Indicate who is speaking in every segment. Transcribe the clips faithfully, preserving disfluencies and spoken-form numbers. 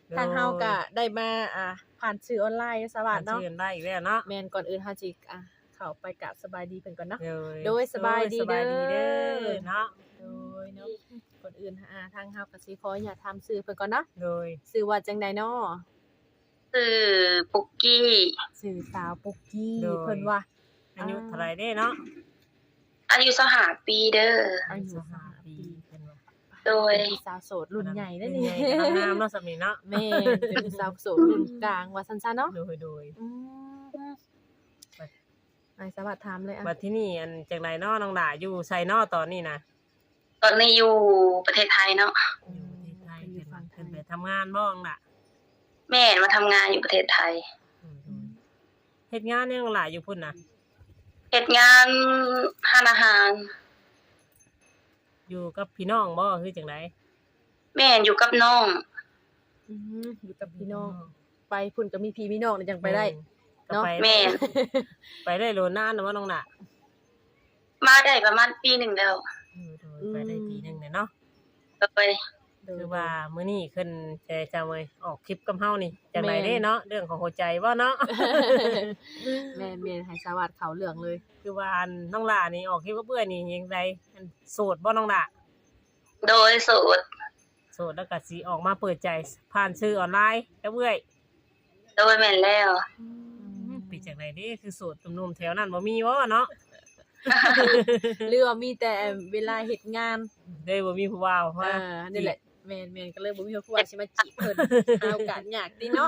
Speaker 1: ทางเฮาก็ได้มาอ่าผ่านสื่อออนไลน์สวัสดีเนาะ
Speaker 2: ชื่นได้อีกแล้วเนาะ
Speaker 1: แม่นก่อนอื่นเฮาสิอ่าเข้าไปกราบสบายดีเพิ่นก่อนเนาะ
Speaker 2: โดย
Speaker 1: โดยสบายดี
Speaker 2: สบายดี
Speaker 1: เด้
Speaker 2: เด้
Speaker 1: อ
Speaker 2: อเนาะ
Speaker 1: โดยเนาะก่อนอื่นอ่าทางเฮาก็สิขออนุญาตถามชื่อเพิ่นก่อนเนาะ
Speaker 2: โดย
Speaker 1: ชื่อว่าจังใดเนาะ
Speaker 3: ชื่อปุกกี้
Speaker 1: ชื่อสาวปุกกี้
Speaker 2: โดย
Speaker 1: เพิ่นว่า
Speaker 2: อายุเท่าไหร่เด้เนาะ
Speaker 3: อายุสิบห้าปีเด้อ
Speaker 1: อายุ
Speaker 2: สิบ
Speaker 1: ห้า
Speaker 2: ห้า
Speaker 1: ปี
Speaker 2: ปีเพิ่นว่า
Speaker 3: โดย
Speaker 1: เป็นสาวโสดรุ่นใหญ่เด้อ
Speaker 2: รุ่
Speaker 1: นี่
Speaker 2: ใหญ่กำลังงามเนาะสำนี้เนาะ
Speaker 1: แม่นเป็นสาวโสดรุ่นกลางว่าซั่นๆเนาะ
Speaker 2: โดยโดย
Speaker 1: อืมนายสวัสดิ์ถามเลยอ่ะ
Speaker 2: บัดที่นี่อันจังไดเนาะน้องหล่าอยู่ไสเนาะตอนนี้นะ
Speaker 3: ตอนนี้อยู่ประเทศไทยเนาะ
Speaker 2: อยู่ประเทศไทยเพิ่นว่าเพิ่นไปทำงานบ่น้องหล่ะ
Speaker 3: แม่มาทำงานอยู่ประเทศไทย
Speaker 2: เฮ็ดงานเนี่ยน้องหล่าอยู่พุ่นน่ะ
Speaker 3: เฮ็ดงานร้านอาหาร
Speaker 2: อยู่กับพี่น้องบ่คือจังได
Speaker 3: แม่อยู่กับน้อง
Speaker 1: อืมอยู่กับพี่น้อง ไปพุ่นก็มีพี่มีน้องเลยจังไปได้
Speaker 2: ก็
Speaker 1: เนาะ
Speaker 2: ไป
Speaker 3: แม่
Speaker 2: ไปได้โลนานนะว่าน้องหล่ะ
Speaker 3: มาได้ประมาณปีหนึ่งแล้ว
Speaker 2: เออโดยไปได้ปีหนึงเนี่ยเนาะ
Speaker 3: โดย
Speaker 2: คือว่ามื้อนี้ขึ้นจะจะมาออกคลิปกับเฮานี่จังไดเด้เนาะเรื่องของหัวใจบ่เนาะ
Speaker 1: แม่นแม่นให้สวัสดิ์เขาเหลืองเลย
Speaker 2: คือว่าอันน้องหล่านี่ออกคลิปกับเอื้อยนี่ยังไดอันโสดบ่น้องหล่า
Speaker 3: โดยโสด
Speaker 2: โสดแล้วก็สิออกมาเปิดใจผ่านสื่อออนไลน์กับเอื้อย
Speaker 3: โดยแม่นแล้ว
Speaker 2: เป็นจังไดเด้คือโสดหนุ่มๆแถวนั้นบ่มีบ่เนาะ
Speaker 1: เรือว่ามีแต่เวลาเฮ็ดงาน
Speaker 2: เด้บ่มีผู้ว่าว
Speaker 1: เอ
Speaker 2: ว่า
Speaker 1: อนี่แหละแม่นแม่นก็เลยบ่มีผู้ว่าสิมาจีบเพิ่นหาโอกาสยากติเนาะ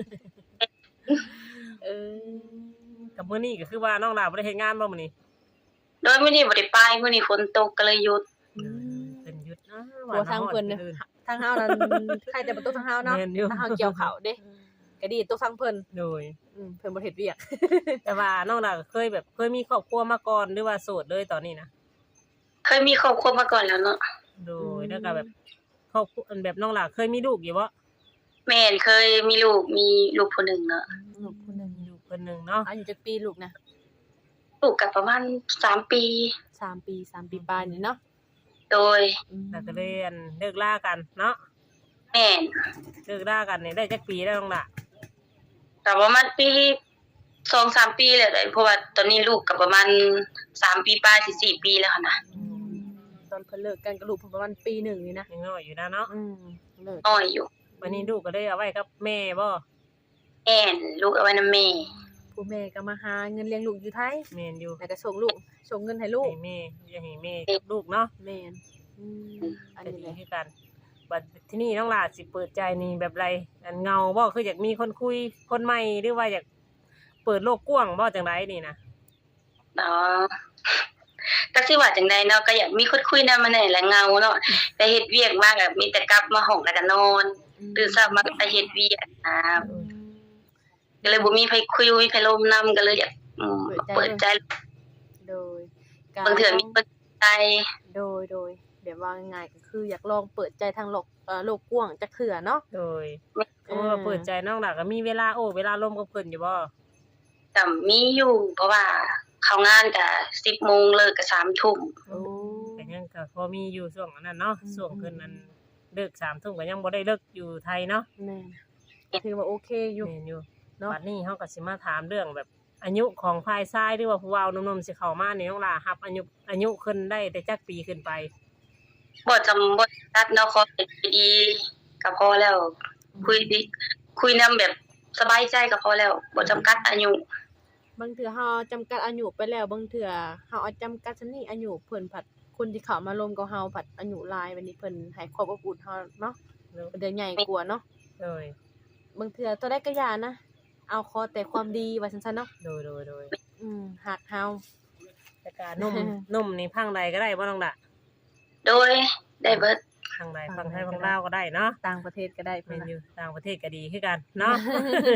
Speaker 1: เออ
Speaker 2: กับมื้อนี้ก็คือว่าน้องหล่าบ่ได้เฮ็ดงานบ่มื้อนี้
Speaker 3: โดยมื้อนี้บ่ได้ไปมื้อนี้ฝนตกก็เลยหยุด
Speaker 2: เป็นหยุดนะ
Speaker 1: หัวทางเพิ่นเนี่ยทางเฮานั้นใครแต่ประตูทางเฮาเนาะ
Speaker 2: แม่นอยู่
Speaker 1: ทางเฮาเกี่ยวเขาเด้ก็ดีตกทางเพิ่น
Speaker 2: โดย
Speaker 1: อืมเพิ่นบ่เฮ็ดเวียก
Speaker 2: แต่ว่าน้องหล่าก็เคยแบบเคยมีครอบครัวมาก่อนหรือว่าโสดเลยตอนนี้นะ
Speaker 3: เคยมีครอบครัวมาก่อนแล้วเนาะ
Speaker 2: โดยแล้วก็แบบครอบครัวอันแบบน้องหล่าเคยมีลูกอยู่บ่
Speaker 3: แม่นเคยมีลูกมีลูกคนหนึ่งเนาะ
Speaker 1: ลูกคนหนึง
Speaker 2: มีลูกคนหนึงเนาะ
Speaker 1: อายุจักปีลูกนะ
Speaker 3: ลูกก็ประมาณสามปี
Speaker 1: สามปีสามปีปลายนี่เนาะ
Speaker 3: โดย
Speaker 1: อืม
Speaker 2: แล้วก็เลยอันเลิกลากันเนาะ
Speaker 3: แม่น
Speaker 2: เลิกลากันนี่ได้จักปีแล้วน้องหล่า
Speaker 3: ก็ประมาณปีสองสามปีแล้วเลยเพราะว่าตอนนี้ลูกก็ประมาณสามปีปลายสิสี่ปีแล้วค่ะนะ
Speaker 1: ตอนเพิ่นเลิกกันกับลูกเพิ่นประมาณปีหนึ่งนี่นะ
Speaker 2: ยังน้อยอยู่นะเนาะ
Speaker 1: อืมเลิก
Speaker 3: น้อยอยู่
Speaker 2: วันนี้ลูกก็เลยเอาไว้กับแม่บ่
Speaker 3: แม่นลูกเอาไว้นำแม่
Speaker 1: ผู้แม่ก็มาหาเงินเลี้ยงลูกอยู่ไทย
Speaker 2: แม่นอยู่
Speaker 1: แล้วก็ส่งลูกส่งเงินให้ลูก
Speaker 2: ให้แม่อย่าให้แม่กับลูกเนาะ
Speaker 1: แม่นอืมอัน
Speaker 2: ก็
Speaker 1: นี้
Speaker 2: ดี
Speaker 1: แหละ
Speaker 2: คือกันบัดที่นี่น้องหล่าสิเปิดใจนี่แบบไรอันเงาบ่คืออยากมีคนคุยคนใหม่หรือว่าอยากเปิดโลกกว้างบ่จังไดนี่นะ
Speaker 3: เนาะก็สิว่าจังไดเนาะก็อยากมีคนคุยนำมาแหน่แหละเงาเนาะแต่เฮ็ดเวียกมากอะมีแต่กลับมาห้องแล้วก็นอนตื่นเช้ามาก็ไปเฮ็ดเวียกนะก็เลยบ่มีไผคุยบ่มีไผลมนำก็เลยอยากอืมเปิดใจ
Speaker 1: โดยการ
Speaker 3: บางเทื่อมีเปิดใจ
Speaker 1: โดยโดยแบบว่าง่ายๆก็คืออยากลองเปิดใจทางโลกเอ่อโลกกว้างจักเทื่อเนาะ
Speaker 2: โดยสมมุติว่าเปิดใจน้องหล่าก็มีเวลาโอ้เวลาลมกับเพิ่นอยู่บ่
Speaker 3: ก็มีอยู่ เพราะว่าเข้างานก็สิบโมงเลิกก็สามทุ่ม
Speaker 1: โอ้
Speaker 2: ก็ยังก็พอมีอยู่ช่วงนั้นเนาะช่วงเพิ่นนั้นเลิกสามทุ่มก็ยังบ่ได้เลิกอยู่ไทยเนาะ
Speaker 1: แม่นถือว่าโอเคอยู่
Speaker 2: แม่นอยู่
Speaker 1: เนาะ
Speaker 2: บัดนี้เฮาก็สิมาถามเรื่องแบบอายุของฝ่ายชายหรือว่าผู้เว้าหนุ่มๆสิเข้ามานี่น้องหล่ารับอายุอายุขึ้นได้แต่จักปีขึ้นไป
Speaker 3: บ่จำบ่ตัดเนาะขอให้ดีก็พอแล้ว คุยดิคุยนำแบบสบายใจก็พอแล้วบ่จำกัดอายุ
Speaker 1: บางเทื่อเฮาจำกัดอายุไปแล้วบางเทื่อเฮาเอาจำกัดซันนี่อายุเพิ่นผัดคนที่เข้ามาร่วมกับเฮาผัดอายุหลายบัดนี้เพิ่นให้ความอบอุ่นเฮาเนาะเพิ่นได้ใหญ่กว่าเนาะ
Speaker 2: โดย
Speaker 1: บางเทื่อตัวใดก็อย่านะ เอาขอแต่ความดีว่าซั่นๆเนาะ
Speaker 2: โดยโดยโดย
Speaker 1: อืมฮักเฮา
Speaker 2: แต่การนุ่ม นุ่มนี่พังใดก็ได้บ่น้องหล่ะ
Speaker 3: โดยได้เบิด
Speaker 2: พังใดพังไทยพังลาวก็ได้เนาะ
Speaker 1: ต่างประเทศก็ได้เพิ่
Speaker 2: แม่
Speaker 1: น
Speaker 2: น
Speaker 1: น่ะ
Speaker 2: อยู่ต่างประเทศก็ดีคือกันเนาะ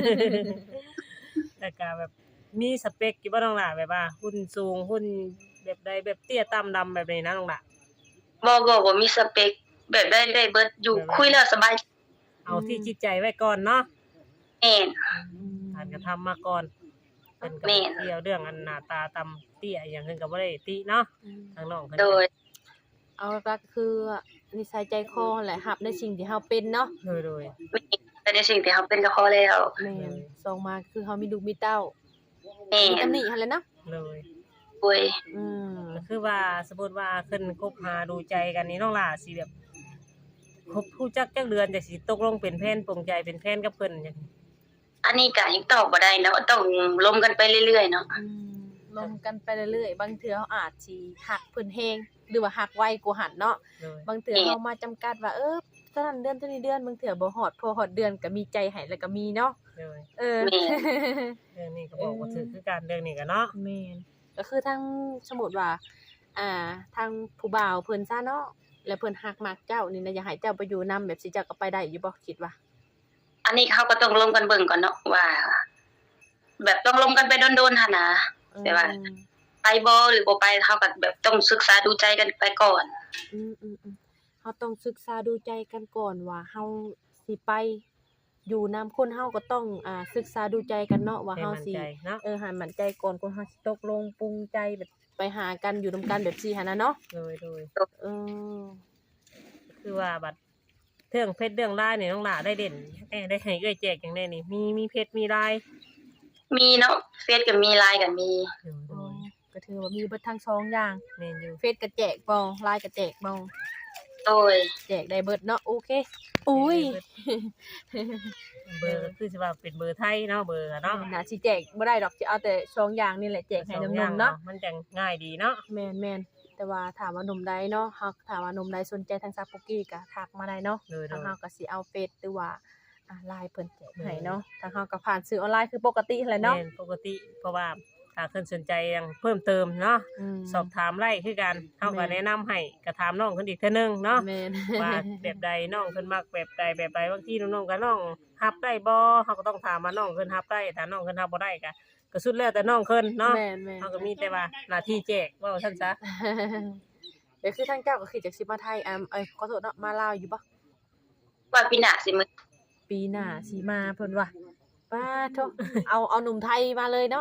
Speaker 2: แต่ก็แบบมีสเปคอยู่บ่น้องหล่ะแบบว่าหุ่นสูงหุ่นแบบใดแบบเตี้ยต่ำดำแบบนี้นะน้องหล่ะ
Speaker 3: บ่บ่บ่มีสเปคแบบได้ได้เบิดอยู่คุยแล้วสบาย
Speaker 2: เอาที่จิตใจไว้ก่อนเนาะ
Speaker 3: แม่น
Speaker 2: การกระทำมาก่อนเพิ่นก็
Speaker 3: แม่น
Speaker 2: เกี่ยวเรื่องอันหน้าตาต่ำเตี้ยอหย่างเพิ่นก็บ่ได้ติเนาะ
Speaker 1: อืม
Speaker 2: ทางน้องเพิ่น
Speaker 3: โดย
Speaker 1: เอาหลักๆคือนิสัยใจคอแหละรับในสิ่งที่เฮาเป็นเนาะ
Speaker 2: โดยโดย
Speaker 3: แม่นแต่ในสิ่งที่เฮาเป็นก็พอแล้ว
Speaker 1: แม่นสองมาคือเฮามีลูกมีเต้า
Speaker 3: แม่
Speaker 1: มี
Speaker 3: น
Speaker 1: ตำหนิหั่นแหละเนาะ
Speaker 2: เลย
Speaker 3: โอ้ย
Speaker 1: อืม
Speaker 2: ก็คือว่าสมมุติว่าขึ้นคบหาดูใจกันนี่น้องหล่าสิแบบคบรู้จักจักเดือนจักสิตกลงเป็นแฟนปลงใจเป็นแฟนกับเพิ่นจัง
Speaker 3: อันนี้ก็ยังตอบบ่ได้เนาะต้องล้มกันไปเรื่อยๆเนาะ
Speaker 1: อืมลงกันไปเรื่อยๆบางเทื่อเฮาอาจสิฮักเพิ่นแฮงหรือว่าฮักไวกว่าหันเนาะ
Speaker 2: เลย
Speaker 1: บางเทื่อเฮามาจำกัดว่าเออเท่านั้นเดือนเท่านี้เดือนบางเทื่อบ่ฮอดพอฮอดเดือนก็มีใจให้แล้วก็มีเนาะ
Speaker 2: เลย
Speaker 1: เออ
Speaker 3: แม่
Speaker 2: เรื่องนี้ก็บอกว่าถือคือการเรื่องนี้กันเนาะ
Speaker 1: แม่นก็คือทางสมมุติว่า อ่า ทางผู้บ่าวเพิ่นซะเนาะแล้วเพิ่นฮักมักเจ้านี่นะอยากให้เจ้าไปอยู่นำแบบสิเจ้าก็ไปได้อยู่บ่คิดว่า
Speaker 3: อันนี้เขาก็ต้องล้มกันเบิ่งก่อนเนาะว่า แบบต้องล้มกันไปโดนๆหั่นนะ แต่ว่า
Speaker 1: อืม
Speaker 3: ไปบ่หรือบ่ไปเฮาก็แบบต้องศึกษาดูใจกันไปก่อน
Speaker 1: อืมๆๆเฮาต้องศึกษาดูใจกันก่อนว่าเฮาสิไปอยู่นำคนเฮาก็ต้องอ่าศึกษาดูใจกันเนาะว่า
Speaker 2: ให้
Speaker 1: เฮา
Speaker 2: มั่น
Speaker 1: สิ
Speaker 2: ใจเนาะ
Speaker 1: เออให้มั่นใจก่อนคนเฮาสิตกลงปรุงใจแบบไปหากันอยู่นํกันแบบซี่หั่นน่ะเนาะ
Speaker 2: เลยเลย
Speaker 1: เออ
Speaker 2: คือว่าบัดเรื่องเพชรเรื่องลายนี่น้องหล่าได้เด่นแน่ได้ให้เอ้อยแจกจังได๋นี่มีมีเพชรมีลาย
Speaker 3: มีเนาะเฟซก็มี ไลน์ ก็มี
Speaker 2: เออ
Speaker 1: โอ้ยก็ถือว่ามีเบิดทั้งสองอย่าง
Speaker 2: แม่นอยู่
Speaker 1: เฟซก็แจกบ่ ไลน์ก็แจกบ่
Speaker 3: โดย
Speaker 1: แจกได้เบิดเนาะโอเคอุ้ย
Speaker 2: เบอร์ก็คือสิว่าเป็นเบอร์ไทยเนาะเบอร์อะเนาะ
Speaker 1: น่าสิแจกบ่ได้ดอกสิเอาแต่สองอย่างนี่แหละแจกให้หนุ่มๆเนาะ
Speaker 2: มันจังง่ายดีเนาะ
Speaker 1: แม่นๆแต่ว่าถามว่าหนุ่มใดเนาะเฮาถามว่าหนุ่มใดสนใจทางซาปุกี้ก็ทักมาได้เนาะ
Speaker 2: เลย
Speaker 1: ทาง
Speaker 2: ๆ
Speaker 1: เฮาก็สิเอาเฟซหรือว่าอ่า ไลน์เพิ่นแจกให้เนาะทางเฮาก็ผ่านสื่อออนไลน์คือปกตินั่นแหละเนาะ
Speaker 2: แม่นปกติเพราะว่าถ้าเพิ่นสนใจหยังเพิ่มเติมเนาะ
Speaker 1: ม
Speaker 2: สอบถามไล่คือกันเฮา
Speaker 1: แม่
Speaker 2: ก็
Speaker 1: น
Speaker 2: แนะนำให้ก็ถามน้องเพิ่นอีกเทื่อนึงเนาะ
Speaker 1: แม่น
Speaker 2: ว่าแบบใดน้องเพิ่นมักแบบใดแบบใดบางทีน้องๆก็น้องรับได้บ่เฮาก็ต้องถามว่าน้องเพิ่นรับได้ถ้าน้องเพิ่นรับบ่ได้ก็ก็สุดแล้วแต่น้องเพิ่นเนาะ
Speaker 1: แม่นๆ
Speaker 2: เฮาก็มีแต่ว่าหน้าที่แจกว่าซั่นซะ
Speaker 1: เดี๋ยวคือทางเจ้าก็คือจากสิมาไทยอ่าเอ้ยขอโทษเนาะมาลาวอยู่บ่
Speaker 3: ว่าปีหน้าสิมึง
Speaker 1: ปีหน้าสิมาเพิ่นว่าป้าโทเอาเอาหนุ่มไทยมาเลยเนาะ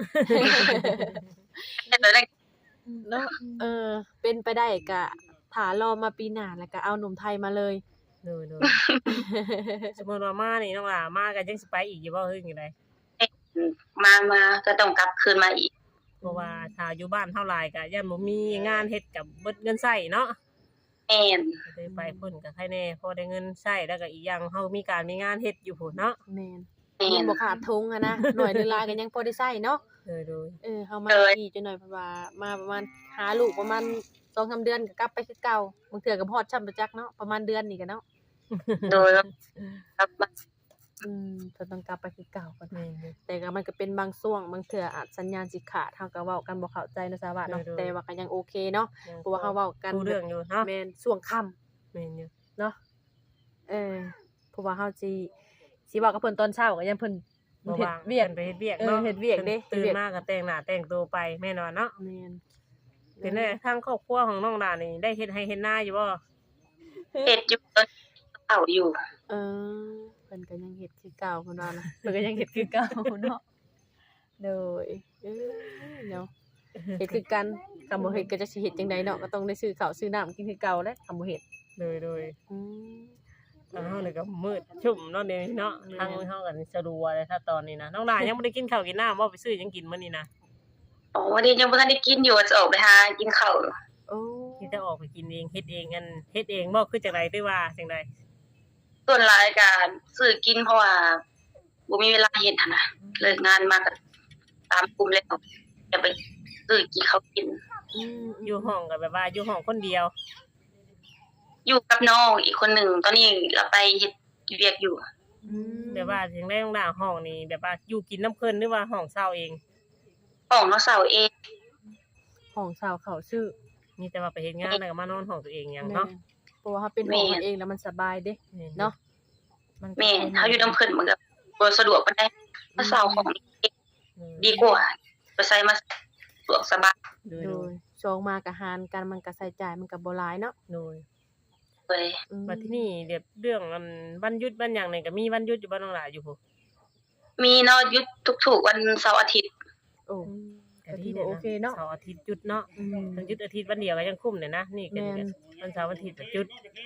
Speaker 3: แต่ตอนแรก
Speaker 1: เนาะเออ เป็นไปได้ก็ถ้ารอมาปีหน้าแล้วก็เอาหนุ่มไทยมาเลย
Speaker 2: โดยๆ สมมุติว่ามานี่น้องหล่ามาก็ยังสิไปอีกอยู่บ่คือจังได๋
Speaker 3: มามาก็ต้องกลับคืนมาอีก
Speaker 2: เพราะว่าถ้าอยู่บ้านเท่าหลายก็ย่านบ่มีงานเฮ็ดกับเบิดเงินใช้เนาะ
Speaker 3: แม่น
Speaker 2: ก็เลยไปพุ่นก็ใครแน่พอได้เงินใช้แล้วก็อีกอย่างเฮามีการมีงานเฮ็ดอยู่พุ่นเนาะ
Speaker 1: แม่น
Speaker 3: แม่
Speaker 1: เงิน
Speaker 3: น
Speaker 1: บ่ขาดทุงอะนะ หน่อยหนึงลายก็ยังพอได้ใช้เนาะ
Speaker 2: เออโดย
Speaker 1: เออเฮามา
Speaker 3: เออ
Speaker 1: อีกจักหน่อยเพราะว่ามาประมาณหาลูกประมาณ สองสาม เดือนก็กลับไปคือเก่าบางเทื่อก็บ่ฮอดช่ำประจักเนาะประมาณเดือนนี่ก็เนาะ
Speaker 3: โดยกลับมา
Speaker 1: อืมเพิ่นต้องกลับไปคือเก่าก่อน
Speaker 2: แม่นอยู่
Speaker 1: แต่ก็มันก็เป็นบางช่วงบางเทื่ออาจสัญญาณสิขาดเฮาก็เว้ากันบ่เข้าใจเนาะสาวะเนาะ
Speaker 2: โดยๆ
Speaker 1: แต่ว่าก็ยังโอเคเนาะเพราะว่าเฮาเว้ากัน
Speaker 2: รู้เรื่องอยู่เนาะ
Speaker 1: แม่นช่วงค่ำ
Speaker 2: แม่นอยู่
Speaker 1: เนาะเออเพราะว่าเฮาสิสิเว้ากับเพิ่นตอนเช้าก็ยังเพิ่น
Speaker 2: บ่
Speaker 1: เฮ็ด
Speaker 2: ว่าง
Speaker 1: เวียก
Speaker 2: พิ่นไปเฮ็ดเวียก
Speaker 1: เออ
Speaker 2: เนาะ
Speaker 1: เฮ็ดเวียกเด้
Speaker 2: ตื่
Speaker 1: เฮ็ดเวี
Speaker 2: น
Speaker 1: ยก
Speaker 2: มาก็แต่งหน้าแต่งตัวไปแม่นอนเนาะ
Speaker 1: แม่น
Speaker 2: เป็นไงทางครอบครัวของน้องดานี่ได้เฮ็ดให้เฮ็ดนาอยู่บ่
Speaker 3: เฮ็ดอยู่ตอนเฒ่าอยู่
Speaker 1: เออเพิ่นก็ยังเฮ็ดคือเก่าเพิ่นว่านะเพิ่นก็ยังเฮ็ดคือเก่าเนาะโดยเออเนาะเฮ็ดคือกันคำบ่เฮ็ดก็จะสิเฮ็ดจังไดเนาะก็ต้องได้ซื้อข้าวซื้อน้ำกินคือเก่าแหละคำบ่เฮ็ด
Speaker 2: เลยโดย
Speaker 1: อืม
Speaker 2: ทางเฮานี่ก็มืดชุ่มเนาะเดี๋ยวนี้เนาะ
Speaker 1: แม่น
Speaker 2: ทางเฮาก็สะดวกเลยถ้าตอนนี้นะน้องดายังบ่ได้กินข้าวกินน้ำบ่ไปซื้อหยังกินมื้อนี้นะ
Speaker 3: อ๋อวันนี้ยังบ่ทันได้กินอยู่ว่าจะออกไปหากินข้าว
Speaker 1: โอ้
Speaker 2: ที่จะออกไปกินเองเฮ็ดเองอันเฮ็ดเองบ่คือจังได๋ด้วยว่าจังได๋
Speaker 3: ส่วนหลายก็ซื้อกินเพราะว่าบ่มีเวลาเฮ็ดหั่นน่ะเลิกงานมาก็ตามกลุ่มแล้วจะไปซื้อกินข้าวกิน
Speaker 1: อืม
Speaker 2: อยู่ห้องก็แบบว่าอยู่ห้องคนเดียว
Speaker 3: อยู่กับน้องอีกคนหนึ่งตอนนี้เราไปเฮ็ดเวียกอยู่
Speaker 1: อืม
Speaker 2: แบบว่าจังได๋น้องดาห้องนี่แบบว่าอยู่กินน้ำเพิ่นหรือว่าห้องเช่าเอง
Speaker 3: ของน้องสาวเอง
Speaker 1: ของสาวเขาชื่อ
Speaker 2: มีแต่ว่าไปเฮ็ดงานแล้วก็มานอนห้องตัวเองหยังเนาะ
Speaker 1: แม่เพราะว่าเฮาเป็นของมันเองแล้วมันสบายเด้เนาะมันก็
Speaker 3: แม่เฮาอยู่นำเพิ่นมันก็บ่สะดวกปานใดน้องสาวของเองดีกว่าไปใส่มาสะดวกสบาย
Speaker 2: โดย
Speaker 1: โดยชองมาก็หารกันมันก็ใช้จ่ายมันก็บ่หลายเนาะ
Speaker 2: โดย
Speaker 3: เลย
Speaker 1: อืม
Speaker 2: ว่าที่นี่เรียบเรื่องอันวันหยุดวันหยังนี่ก็มีวันหยุดอยู่บ่น้องหลาอยู่พุ
Speaker 3: มีเนาะหยุดทุกๆวันเสาร์อาทิตย์
Speaker 1: โอ้
Speaker 2: ก็
Speaker 1: ก็
Speaker 2: ดี
Speaker 1: ถือ
Speaker 2: เด้
Speaker 1: ว่าโอเคเนาะ
Speaker 2: เสาร์อาทิตย์หยุดเนาะ
Speaker 1: อืม
Speaker 2: ทั้งหยุดอาทิตย์วันเดียวก็ยังคุ้มเลยนะนี่ก็
Speaker 1: แม่น
Speaker 2: วันเสาร์วันอาทิตย์ก็หยุด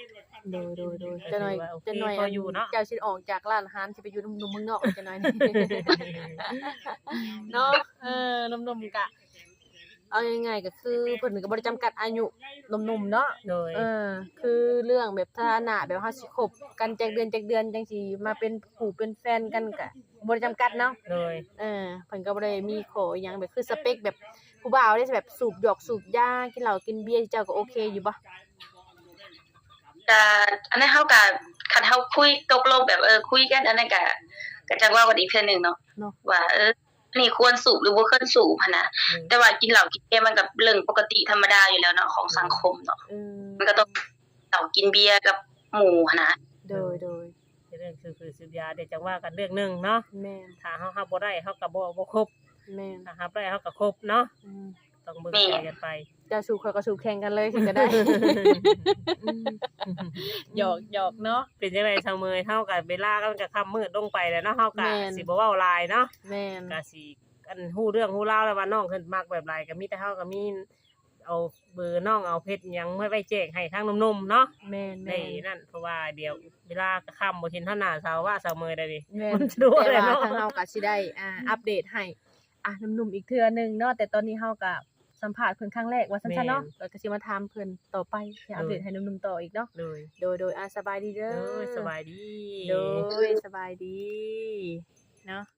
Speaker 1: โดยโดยโดยจะหน่อย
Speaker 2: ก็ถือว่าโอเค
Speaker 1: จะหน่อย
Speaker 2: พออยู่เนาะ
Speaker 1: เจ้าสิออกจากร้านอาหารสิไปอยู่หนุ่มๆเมืองนอกจะหน่อย เนาะเออหนุ่มๆกะเอาง่ายๆก็คือเพิ่นก็บ่ได้จำกัดอายุหนุ่มๆเนาะ
Speaker 2: โดย
Speaker 1: เออคือเรื่องแบบฐานะแบบเฮาสิคบกันจักเดือนจักเดือนจังสิมาเป็นผู้เป็นแฟนกันก็บ่ได้จำกัดเนาะ
Speaker 2: โดย
Speaker 1: เออเพิ่นก็บ่ได้มีขออิหยังแบบคือสเปคแบบผู้บ่าวได้แบบสูบหยอกสูบยากินเหล้ากินเบียร์เจ้าก็โอเคอยู่บ่
Speaker 3: ก็อันนั้นเฮาก็คันเฮาคุยตกลงแบบเออคุยกันอันนั้นก็ก็จังว่ากันอีกเทื่อหนึงเนาะ
Speaker 1: เนาะ
Speaker 3: ว่าเอออันนี้ควรสูบหรือบ่ควรสูบหันนะแต่ว่ากินเหล้ากินเบียร์มันก็เรื่องปกติธรรมดาอยู่แล้วเนาะของสังคมเนาะ
Speaker 1: เออ
Speaker 3: มันก็ต้องเหล้ากินเบียร์กับหมู่หันนะ
Speaker 1: โดยโดย
Speaker 2: เรื่องคือคือสุดยาเดี๋ยวจังว่ากันเรื่องหนึงเนาะ
Speaker 1: แม่น
Speaker 2: ถ้าเฮารับบ่ได้เฮาก็บ่บ่ครบ
Speaker 1: แม่น
Speaker 2: ถ้ารับได้เฮาก็ครบเนาะ
Speaker 1: อืม
Speaker 2: ต้องเบิ่งใจกันไป
Speaker 1: เจ้าสูบข่อยก็สูบแข่งกันเลยสิก็ได้ หยอกหยอกเนาะ
Speaker 2: เป็นจังได๋เสมอเฮาก็เวลาก็มันก็ค่ำมืดลงไปแล้วเนาะเฮาก็
Speaker 1: แม่น
Speaker 2: สิบ่เว้าหลายเนาะ
Speaker 1: แม่น
Speaker 2: ก็สิอันฮู้เรื่องฮู้ราวแล้วว่าน้องเพิ่นมักแบบไรก็มีแต่เฮาก็มีเอาเบอร์น้องเอาเพชรหยังไว้ไว้แจ้งให้ทางหนุ่มๆเนาะ
Speaker 1: แม่น
Speaker 2: ได้
Speaker 1: แม่น
Speaker 2: นั่นเพราะว่าเดี๋ยวเวลาค่ำบ่เห็นเท่าหน้าสาวว่าสาวเมยได้ดิ
Speaker 1: แม่
Speaker 2: มัน นสะดวก
Speaker 1: แต่
Speaker 2: เลย
Speaker 1: ว่า
Speaker 2: เนาะ
Speaker 1: ทางเฮาก็สิได้อ่าอัปเดตให้อ่ะหนุ่มๆอีกเทื่อหนึงเนาะแต่ตอนนี้เฮาก็สัมภาษณ์เพิ่นครั้งแรกว่าซั่นๆเนาะแล้วก็สิมาถามเพิ่นต่อไปสิอัปเดตให้หนุ่มๆต่ออีกเนาะ
Speaker 2: เลย
Speaker 1: โดยโดยอ่ะสบายดีเด้อ
Speaker 2: เด้อสบายดี
Speaker 1: โดยสบายดีเนาะ